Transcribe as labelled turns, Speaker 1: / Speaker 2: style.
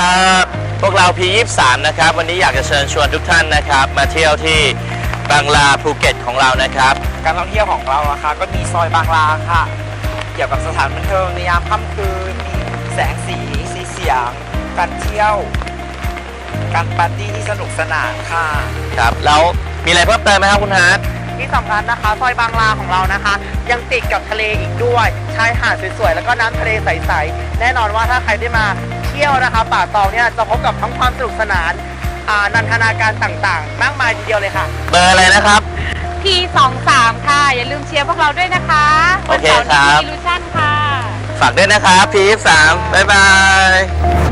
Speaker 1: พวกเรา P23 นะครับวันนี้อยากจะเชิญชวนทุกท่านนะครับมาเที่ยวที่บางลาภูเก็ตของเรานะครับ
Speaker 2: การท่องเที่ยวของเราอะค่ะก็มีซอยบางลาค่ะเกี่ยวกับสถานบันเทิงในยามค่ำคืนมีแสงสีเสียงการเที่ยวการปาร์ตี้ที่สนุกสนานค่ะ
Speaker 1: ครับแล้วมีอะไรเพิ่มเติมไหมครับคุณฮาร์ด
Speaker 2: ที่สำคัญนะคะซอยบางลาของเรานะคะยังติดกับทะเลอีกด้วยชายหาดสวยๆแล้วก็น้ำทะเลใสๆแน่นอนว่าถ้าใครได้มาเที่ยวนะคะป่าตองเนี่ยจะพบกับทั้งความสนุกสนานนันทนาการต่างๆมากมายทีเดียวเลยค่ะ
Speaker 1: เบอร์อะไรนะครับ
Speaker 3: P23 ค่ะอย่าลืมเชียร์พวกเราด้วยนะคะ
Speaker 1: โอเคครับ
Speaker 3: วันเสาร์นี้มีลูชั่นค่ะ
Speaker 1: ฝากด้วยนะครับ P23 บ๊ายบาย